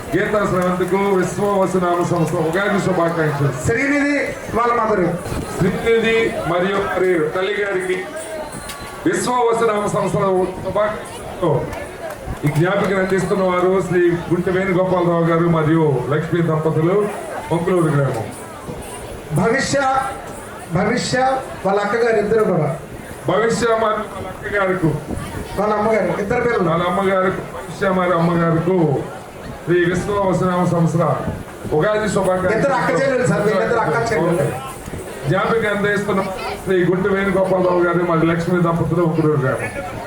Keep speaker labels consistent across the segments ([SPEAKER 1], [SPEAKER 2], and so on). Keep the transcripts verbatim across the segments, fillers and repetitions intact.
[SPEAKER 1] గీతా శ్రవంతికు విశ్వవసనామ సంస్థ ఉగాది శుభాకాంక్షలు.
[SPEAKER 2] శ్రీనిధి వాళ్ళ మదరు
[SPEAKER 1] శ్రీనిధి మరియు మరి తల్లి గారికి విశ్వవసనామ సంస్థల శుభాకాంక్షలు. ఈ జ్ఞాపికను అందిస్తున్న వారు శ్రీ గుంటె వేణుగోపాలరావు గారు మరియు లక్ష్మీ దంపతులు, మొంకులూరు గ్రామం.
[SPEAKER 2] భవిష్య భవిష్య వాళ్ళ అక్కగారు ఇద్దరు కూడా,
[SPEAKER 1] భవిష్య మరియు వాళ్ళ అక్క గారికి,
[SPEAKER 2] వాళ్ళ అమ్మగారు ఇద్దరు పిల్లలు,
[SPEAKER 1] వాళ్ళ అమ్మగారికి భవిష్య మరియు అమ్మగారికి శ్రీ విశ్వవసనామ సంస్థ ఉగాది
[SPEAKER 2] ఇద్దరు అక్క చెల్లెలు సార్, వీళ్ళిద్దరు అక్క చెల్లెలు.
[SPEAKER 1] జ్ఞాపిక అందిస్తున్న శ్రీ గుంటె వేణుగోపాలరావు గారు మరియు లక్ష్మీ దంపతులు, మొంకులూరు గ్రామం.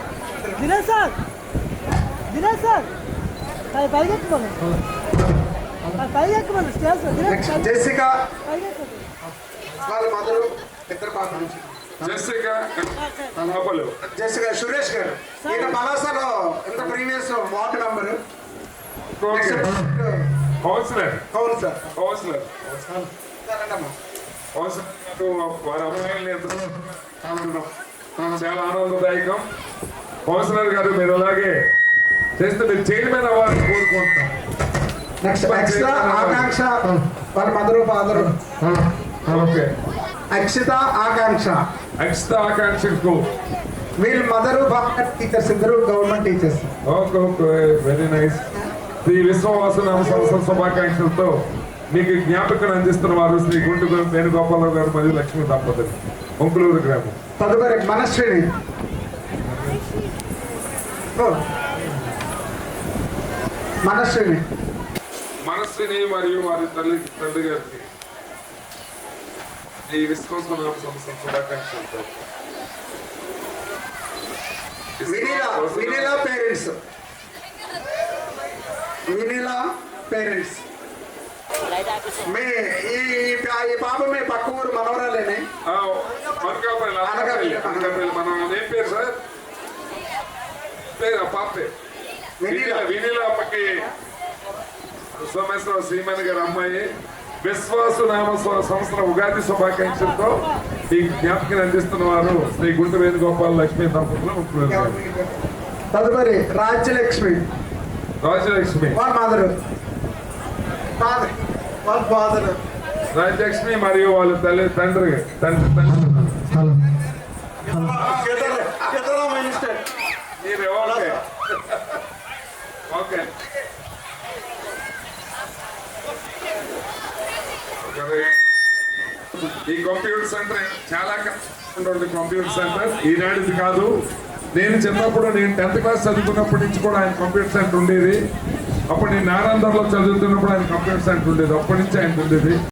[SPEAKER 2] జెసికా వాళ్ళ మదరు ఇద్దరు పాపలు.
[SPEAKER 1] జెసికా
[SPEAKER 2] జెసికా సురేష్ గారు ఈయన పలాసలో ఎంత ప్రీవియస్ వార్డు మెంబర్.
[SPEAKER 1] కౌన్సిలర్
[SPEAKER 2] అవును సార్.
[SPEAKER 1] కౌన్సిలర్
[SPEAKER 2] సరేనమ్మా.
[SPEAKER 1] వారి అమ్మాయిల్ని ఎంతో చాలా ఆనందదాయకం. కౌన్సిలర్ గారు మీరు అలాగే చేస్తే మీరు చైర్మన్ అవ్వాలని కోరుకుంటున్నాం.
[SPEAKER 2] నెక్స్ట్ ఎక్స్ట్రా ఆకాంక్ష వాళ్ళ mother father.
[SPEAKER 1] Okay.
[SPEAKER 2] Akshita Akanksha
[SPEAKER 1] Akshita ఆకాంక్షకు
[SPEAKER 2] వీళ్ళ మదరు ఫాదర్ టీచర్స్, ఇద్దరు government teachers.
[SPEAKER 1] Okay okay very nice. శ్రీ విశ్వవాసనామ సంస్థ శుభాకాంక్షలతో మీకు జ్ఞాపికను అందిస్తున్న వారు శ్రీ గుంటె వేణుగోపాలరావు గారు మరియు లక్ష్మీ దంపతులు, మొంకులూరు గ్రామం.
[SPEAKER 2] తదుపరి మనశ్రీని మనశ్రీని
[SPEAKER 1] మనస్సుని మరియు వారి తల్లి తండ్రి గారికి ఈ విశ్వసనామ సంస్థ శుభాకాంక్షలతో.
[SPEAKER 2] వినీలా వినీలా పేరెంట్స్ వినీలా పేరెంట్స్ మీ ఈ ఈ పాప మీ పక్క ఊరు మనవరాలేనే.
[SPEAKER 1] అనకాపల్లి అనకాపల్లి మనం ఏం పేరు సార్? పేరు పాప పేరు వినీలా. వినీలా అప్పకి సోమేశ్వర శ్రీమణి గారి అమ్మాయి. విశ్వాసనామ సంస్థల ఉగాది శుభాకాంక్షలతో ఈ జ్ఞాపకం అందిస్తున్న వారు శ్రీ గుంటె వేణుగోపాల్ లక్ష్మీ దంపతులు.
[SPEAKER 2] తదుపరి రాజ్యలక్ష్మి
[SPEAKER 1] రాజ్యలక్ష్మి
[SPEAKER 2] వాళ్ళ మదరు ఫాదర్ వాళ్ళ ఫాదర్
[SPEAKER 1] రాజ్యలక్ష్మి మరియు వాళ్ళ తల్లి తండ్రి తండ్రి తండ్రి మీరే. ఓకే ఓకే ఈ కంప్యూటర్ సెంటర్ చాలా కష్టం. కంప్యూటర్ సెంటర్ ఈనాటిది కాదు. నేను చిన్నప్పుడు నేను టెన్త్ క్లాస్ చదువుకున్నప్పటి నుంచి కూడా ఆయన కంప్యూటర్ సెంటర్ ఉండేది. అప్పుడు నేను నారాయణలో చదువుతున్నప్పుడు ఆయన కంప్యూటర్ సెంటర్ ఉండేది. అప్పటి నుంచి ఆయన ఉండేది.